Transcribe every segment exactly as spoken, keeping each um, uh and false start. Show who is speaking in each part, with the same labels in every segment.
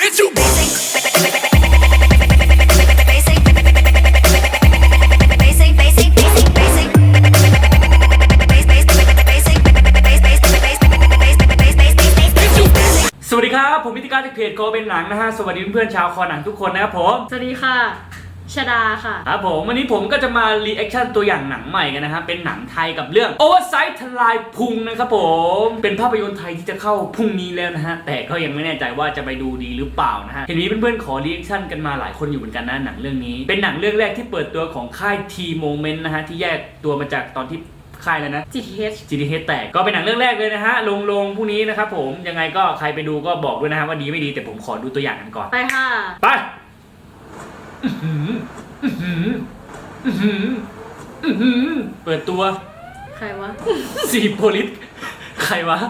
Speaker 1: It's too basic. Basic. Basic. Basic. Basic. Basic.
Speaker 2: สวัสดีครับผมพิธีการจากเพจโกเป็นหนังนะฮะสวัสดีเพื่อนๆชาวคอหนังทุกคนนะครับผม
Speaker 3: สวัสดีค่ะชดาค่ะ
Speaker 2: ครับผมวันนี้ผมก็จะมารีแอคชั่นตัวอย่างหนังใหม่กันนะฮะเป็นหนังไทยกับเรื่อง Oversight ทลายพุงนะครับผมเป็นภาพยนตร์ไทยที่จะเข้าพรุ่งนี้แล้วนะฮะแต่ก็ยังไม่แน่ใจว่าจะไปดูดีหรือเปล่านะฮะเห็นมีเพื่อนๆขอรีแอคชั่นกันมาหลายคนอยู่เหมือนกันนะหนังเรื่องนี้เป็นหนังเรื่องแรกที่เปิดตัวของค่าย T Moment นะฮะที่แยกตัวมาจากตอนที่ค่ายแล้วนะ
Speaker 3: จี ที เอช
Speaker 2: จี ที เอช แตกก็เป็นหนังเรื่องแรกเลยนะฮะลงลงพรุ่งนี้นะครับผมยังไงก็ใครไปดูก็บอกด้วยนะฮะว่าดีไม่ดีแต่ผมขอดูตัวอย่างกันก่อน
Speaker 3: ไปค่ะ
Speaker 2: ไปเปิดตัว
Speaker 3: ใครวะ
Speaker 2: สีโพลิสใครวะ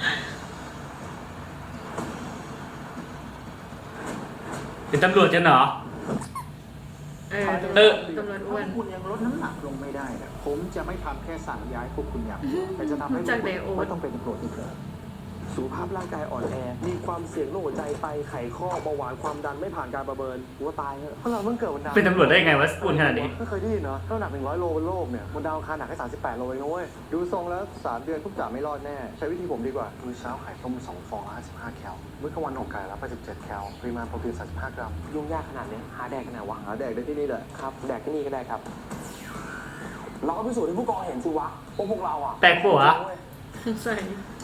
Speaker 2: เป็นตำรวจกันเหรอ
Speaker 3: เออ
Speaker 2: เออ
Speaker 3: ตำรวจอ้วน
Speaker 4: คุณยังลดน้ำหนักลงไม่ได้นะผมจะไม่ทำแค่สั่งย้ายพวกคุณอย่างเดียวแต่จะทำให้คุณไม่ต้องเป็นตำรวจอีกเลยสุขภาพร่างกายอ่อนแอมีความเสี่ยงโรคหัวใจไตไขข้อเบาหวานความดันไม่ผ่านการประเมินหัวตายเพราะเราเพิ่งเกิดวันดาว
Speaker 2: เป็นตำรวจได้ไงวะอ้วนขนาดนี้
Speaker 4: ไม่เคยได้ยินเนาะน้ำหนักหนึ่งร้อยโลบนโลกเนี่ยบนดาวอังคารหนักแค่สามสิบแปดโลเองนะเว้ยดูทรงแล้วสามเดือนพวกจ่าไม่รอดแน่ใช้วิธีผมดีกว่ามื้อเช้าไข่ต้มสองฟองละห้าสิบห้าแคลมื้อกลางวันอกไก่ละแปดสิบเจ็ดแคลปริมาณโปรตีนสามสิบห้ากรัมยุ่งยากขนาดนี้หาแดกกันไหนวะหาแดกได้ที่นี่แหละครับแดกที่นี่ก็ได้ครับเราก็พิสูจน์ให้ผู้กองเห็นสิวะพวกพวกเราอ่ะ
Speaker 2: แตกปะ
Speaker 3: ใส่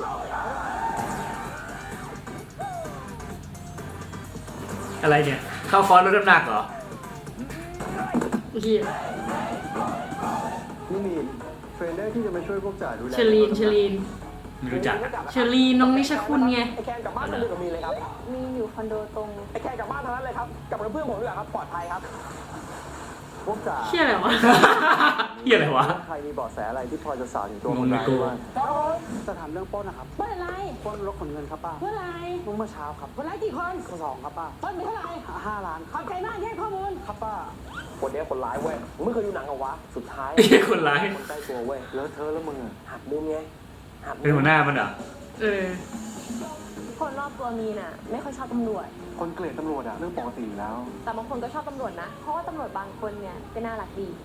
Speaker 2: อะไรเนี่ยเข้าคอร์สลดน้ำหนักเหรอ
Speaker 3: เหี้ย
Speaker 4: นี่มีเทรนเนอร์ที่จะมาช่วยพวกจ่าดูแล
Speaker 3: เชลีนเชลีน
Speaker 2: ไม่รู้จัก
Speaker 3: เชลีนน้องนิชคุณไง
Speaker 4: ไอ้แคนกลับบ้านมาดูกับมีเลยครับ
Speaker 5: มีอยู่คอนโดตรง
Speaker 4: ไอ้แคนกลับบ้านทางนั้นเลยครับกลับกับเพื่อนผมด้วยครับปลอดภัยครับพวกจ่า
Speaker 3: เหี้ยอะไรวะ
Speaker 2: เหี้ยอะไรวะ
Speaker 4: ใครมีเบาะแสอะไรที่พอจะสาวถึงตัวคนร้ายบ้างจะถามเรื่องปล้นนะครับ
Speaker 5: ปล้นอะไร
Speaker 4: ปล้นรถขนเงินครับป้า
Speaker 5: เมื่อไร
Speaker 4: เมื่อเช้าครับ
Speaker 5: คนร้ายกี่คน
Speaker 4: สองครับป้า
Speaker 5: ปล้นไปเท่าไหร่
Speaker 4: ห้าล้าน
Speaker 5: ขอบใจมากที่ให้ข้อมูล
Speaker 4: ครับป้าคนนี้คนร้ายเว้ยมึงไม่เคยดูหนังเหรอวะสุดท้าย
Speaker 2: คนร้าย
Speaker 4: คนใกล้ตัวเว้ยแล้วเธอแล้วมึงหักมุมไงหัก
Speaker 2: เป็นหัวหน้ามันเหรอ
Speaker 3: เออ
Speaker 5: คนรอบตัวมีน่ะไม่ค่อยชอบตำรวจ
Speaker 4: คนเกลียดตำรวจอะเรื่องปกติแล้ว
Speaker 5: แต่บางคนก็ชอบตำรวจนะเพราะว่าตำรวจบางคนเนี่ยก็น่ารักดี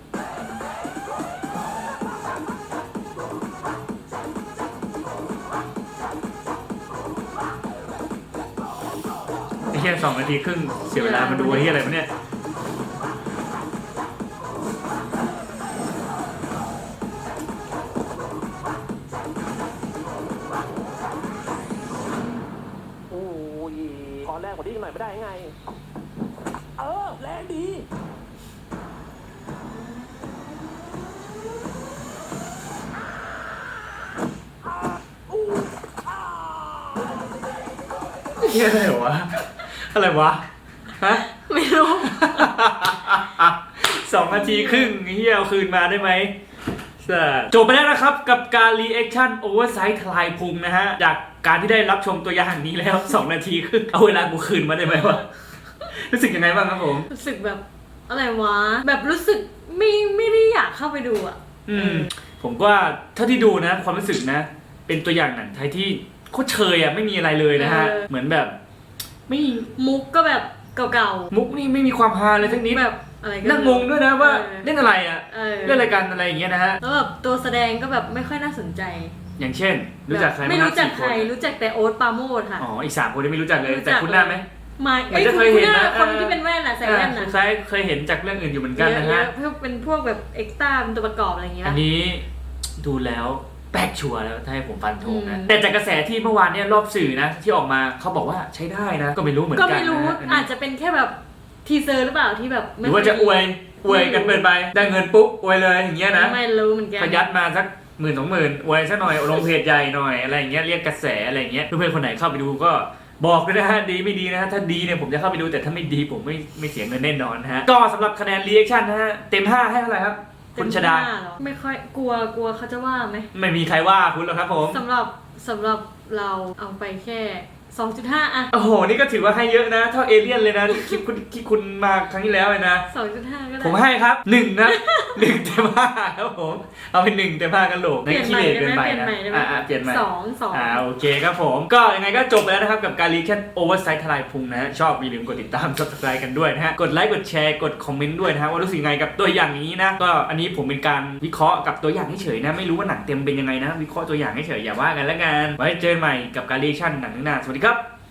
Speaker 2: ไอ้เหี้ยสองนาทีครึ่งเสียเวลามาดูไอ้เหี้ยอะไรวะเนี่ย
Speaker 4: โอ้ยขอแรงกว่านี้หน่อยไม่ได้ไงเออแรงดี
Speaker 2: เหี้ยอะไรวะอะไรวะฮะ
Speaker 3: ไม่รู้
Speaker 2: สองนาทีครึ่งเหี้ยเอาคืนมาได้ไหมจบไปแล้วนะครับกับการรีแอคชั่นโอเวอร์ไซส์ทลายพุงนะฮะจากการที่ได้รับชมตัวอย่างนี้แล้วสองนาทีครึ่งเอาเวลากูคืนมาได้ไหมวะรู้สึกยังไงบ้างครับผม
Speaker 3: รู้สึกแบบอะไรวะแบบรู้สึกไม่ไม่ได้อยากเข้าไปดูอ่ะ
Speaker 2: อืมผมก็เท่าที่ดูนะความรู้สึกนะเป็นตัวอย่างหนังไทยที่โคตรเชยอ่ะไม่มีอะไรเลยนะฮะเหมือนแบบไม่
Speaker 3: มุกก็แบบเก่า
Speaker 2: ๆมุกนี่ไม่มีความฮาเลยทั้งนี้
Speaker 3: แบบอะไร
Speaker 2: นั่งงงด้วยนะว่าเล่นอะไรอ่ะเล่นรายการอะไรอย่างเงี้ยนะฮะ
Speaker 3: แล้วแบบตัวแสดงก็แบบไม่ค่อยน่าสนใจ
Speaker 2: อย่างเช่นรู้จักใคร
Speaker 3: ไม่รู้จักใครรู้จักแต่โอ๊ตปาโมดค่ะ
Speaker 2: อ๋ออีกสามคนไม่รู้จักเลยแต่คุณหน้าไหม
Speaker 3: ไม่ไอ้ยเคยเห็นนะคนที่เป็นแว่นน่ะใส่แว่นน่ะ
Speaker 2: ใช่เคยเห็นจากเรื่องอื่นอยู่เหมือนกันนะฮะ
Speaker 3: เพื่อเป็นพวกแบบเอ็กซ์ต้าเป็นตัวประกอบอะไรอย่างเงี้ย
Speaker 2: อันนี้ดูแล้วแปลกชัวร์แล้วถ้าให้ผมฟันธงนะแต่จากกระแสที่เมื่อวานเนี่ยรอบสื่อนะที่ออกมาเขาบอกว่าใช้ได้นะก็ไม่รู้เหมือนกัน
Speaker 3: ก็ไม่รู้อาจจะเป็นแค่แบบทีเซอร์หรือเปล่าที่แบบ
Speaker 2: หรือว่าจะอวยอวยกันเปิดไปได้เงินปุ๊บอวยเลยอย่างเงี้ยนะ
Speaker 3: ไม่รู้เหมือนกัน
Speaker 2: ประหยัดมาสักหมื่นสองหมื่นอวยซะหน่อยลงเพจใหญ่หน่อยอะไรอย่างเงี้ยเรียกกระแสอะไรอย่างเงี้ยเพื่อนๆคนไหนเข้าไปดูก็บอกด้วยนะฮะดีไม่ดีนะฮะถ้าดีเนี่ยผมจะเข้าไปดูแต่ถ้าไม่ดีผมไม่ไม่เสียเงินแน่นอนนะฮะก็สำหรับคะแนนรีแอคชั่นนะฮะเต็มห้าให้เท่าไหร่ครับคุณชดา
Speaker 3: ไม่ค่อยกลัวกลัวเขาจะว่าไหม
Speaker 2: ไม่มีใครว่าคุณหรอกครับผม
Speaker 3: สำหรับสำหรับเราเอาไปแค่สองจุดห้า อะ
Speaker 2: โอ้โหนี่ก็ถือว่าให้เยอะนะเท่าเอเลี่ยนเลยนะคลิปคุณที่คุณมาครั้งที่แล้วเลยนะ
Speaker 3: สองจุดห้า ก็ได้
Speaker 2: ผมให้ครับหนึ่งนะ หนึ่งเต็มห้าครับผมเอาเป็นหนึ่งเต็มห้ากันโหลก
Speaker 3: เปลี่ยนใหม่
Speaker 2: ขี้
Speaker 3: ได้
Speaker 2: เกิน
Speaker 3: ไหม
Speaker 2: ไป
Speaker 3: เปลี่ยน
Speaker 2: นะ
Speaker 3: ใหม่ได้ไหม
Speaker 2: อ่าเปลี่ยนใหม่
Speaker 3: สองสอง
Speaker 2: อ่าโอเคครับผมก็ยังไงก็จบไปแล้วนะครับกับการรีแคปโอเวอร์ไซส์ทลายพุงนะฮะชอบอย่าลืมกดติดตาม subscribe กันด้วยนะฮะกดไลค์กดแชร์กดคอมเมนต์ด้วยนะฮะว่ารู้สึกยังไงกับตัวอย่างนี้นะก็อันนี้ผมเป็นการวิเคราะห์กับตัวอย่างเฉยๆนะไม่รู้ว่าหนังเต็มเป็นยังไงนะวิเคราะห์ตัวอย่างเฉยๆอย่าว่ากันแล้วกันไว้เจอกันใหม่กับการรีแอคชั่นหนังหน้าสวัสดีครับ